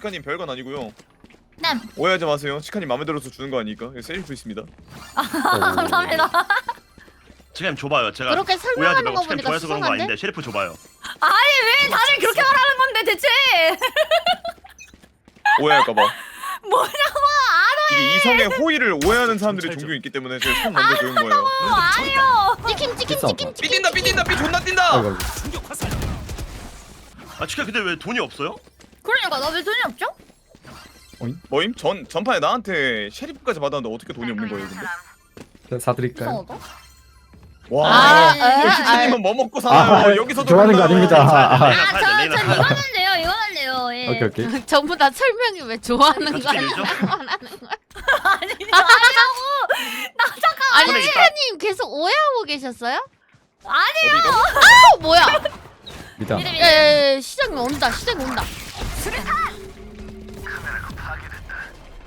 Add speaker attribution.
Speaker 1: 치카님 별건 아니고요.
Speaker 2: 네.
Speaker 1: 오해하지 마세요. 치카님 마음에 들어서 주는 거 아니니까. 셀프 있습니다.
Speaker 2: 감사합니다.
Speaker 3: 지금 줘봐요. 제가
Speaker 4: 그렇게
Speaker 3: 오해하지
Speaker 4: 설명하는
Speaker 3: 말고
Speaker 4: 거
Speaker 3: 지금
Speaker 4: 보니까
Speaker 3: 좋아해서 그런 거
Speaker 4: 수상한데?
Speaker 3: 아닌데 셰리프 줘봐요.
Speaker 2: 아니 왜 다들 그렇게 말하는 건데 대체?
Speaker 1: 오해할까봐.
Speaker 2: 뭐냐고
Speaker 1: 이게 이성의 호의를 오해하는 사람들이 종종 있기 때문에 제가 손 먼저 배운 거예요.
Speaker 2: 아니요.
Speaker 4: 치킨 치킨
Speaker 5: 비싸.
Speaker 4: 치킨 치킨.
Speaker 1: 삐뛴다 삐뛴다 삐 존나 뛴다.
Speaker 5: 아이고 아이고.
Speaker 3: 아 치카 근데 왜 돈이 없어요?
Speaker 2: 그러니까 나 왜 돈이 없죠?
Speaker 1: 뭐임? 전판에 나한테 셰리프까지 받았는데 어떻게 돈이 없는 거예요 근데?
Speaker 5: 제가 사드릴까요?
Speaker 2: 이상하다.
Speaker 1: 와.
Speaker 4: 아,
Speaker 1: 치킨님은 뭐 먹고 사나요?
Speaker 5: 아,
Speaker 1: 여기서도
Speaker 5: 좋아하는 거
Speaker 1: 그런다요.
Speaker 5: 아닙니다. 아,
Speaker 3: 레이나 사야 돼. 레이나 사야 돼.
Speaker 2: 이거는 돼요. 이거는 돼요. 예.
Speaker 5: 오케이 오케이.
Speaker 4: 전부 다 설명이 왜 좋아하는
Speaker 3: 같이
Speaker 4: 거야?
Speaker 3: 밀죠?
Speaker 2: 아니라고. 나 잠깐.
Speaker 4: 아니
Speaker 3: 손에
Speaker 4: 치카님 계속 오해하고 계셨어요?
Speaker 2: 아니요.
Speaker 4: 뭐야?
Speaker 5: 믿어.
Speaker 2: 미리 미리.
Speaker 4: 야야야 시장이 온다 시장이 온다.
Speaker 2: 수류탄.